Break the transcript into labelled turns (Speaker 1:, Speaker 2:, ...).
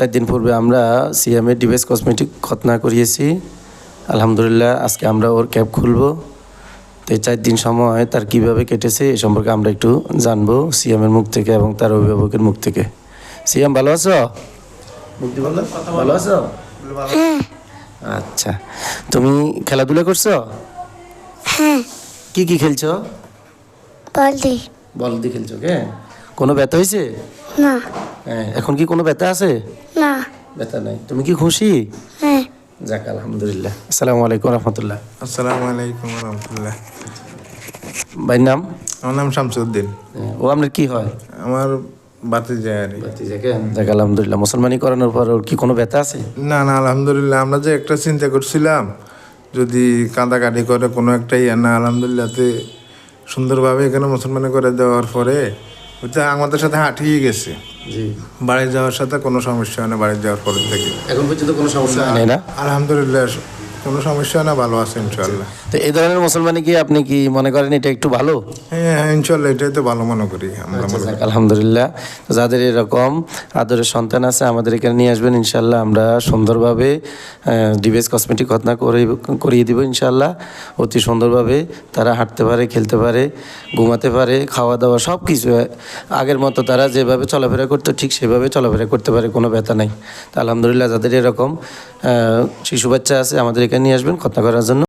Speaker 1: 4 দিন পূর্বে আমরা সিএমের ডিভাইস কসমেটিক খতনা করিয়েছি। আলহামদুলিল্লাহ আজকে আমরা ওর ক্যাব খুলবো। তো এই 4 দিন সময় তার কিভাবে কেটেছে এ সম্পর্কে আমরা একটু জানবো সিএমের মুখ থেকে এবং তার অভিভাবকের মুখ থেকে। সিএম ভালো আছো? ভালো আছো? আচ্ছা, তুমি খেলাধুলা করছো? কি কি খেলছো? বল দিয়ে খেলছো কে? কোনো ব্যথা হয়েছে?
Speaker 2: না।
Speaker 1: হ্যাঁ, এখন কি কোনো ব্যথা আছে?
Speaker 2: না।
Speaker 1: ব্যথা নাই। তুমি কি খুশি?
Speaker 2: হ্যাঁ।
Speaker 1: যাক আলহামদুলিল্লাহ। আসসালামু আলাইকুম রহমতুল্লাহ।
Speaker 3: আসসালামু আলাইকুম রহমতুল্লাহ।
Speaker 1: ভাইয়ের নাম?
Speaker 3: আমার নাম শামসুদ্দিন।
Speaker 1: ও আপনার কি হয়?
Speaker 3: আমার ভাতিজা আর কি।
Speaker 1: যাক আলহামদুলিল্লাহ। মুসলমানি করানোর পর ওর কি কোনো ব্যথা আছে?
Speaker 3: না না আলহামদুলিল্লাহ, আমরা যে একটা চিন্তা করছিলাম যদি কাঁদাকাটি করে কোনো একটাই না, আলহামদুলিল্লাহতে সুন্দরভাবে এখানে মুসলমানি করে দেওয়ার পরে ওইটা আমাদের সাথে হাঁটিয়ে গেছে।
Speaker 1: জি।
Speaker 3: বাড়ি যাওয়ার সাথে কোনো সমস্যা হয় না, বাড়ি যাওয়ার পরের থেকে
Speaker 1: এখন পর্যন্ত কোনো সমস্যা নেই না?
Speaker 3: আলহামদুলিল্লাহ কোনো সমস্যা হয় না, ভালো আছে ইনশাল্লাহ।
Speaker 1: তো এই ধরনের মুসলমানি কি আপনি কি মনে করেন এটা একটু ভালো?
Speaker 3: হ্যাঁ হ্যাঁ ইনশাল্লাহ, এটাই তো ভালো মনে করি আমরা।
Speaker 1: যাক আলহামদুলিল্লাহ। তো যাদের এরকম আদরের সন্তান আছে আমাদের এখানে নিয়ে আসবেন ইনশাল্লাহ। আমরা সুন্দরভাবে ডিভাইস কসমেটিক খতনা করিয়ে দিব ইনশাল্লাহ। অতি সুন্দরভাবে তারা হাঁটতে পারে, খেলতে পারে, ঘুমাতে পারে, খাওয়া দাওয়া সব কিছু আগের মতো তারা যেভাবে চলাফেরা করতো ঠিক সেভাবে চলাফেরা করতে পারে, কোনো ব্যথা নাই। তো আলহামদুলিল্লাহ যাদের এরকম শিশু বাচ্চা আছে আমাদের এখানে নিয়ে আসবেন খতনা করার জন্য।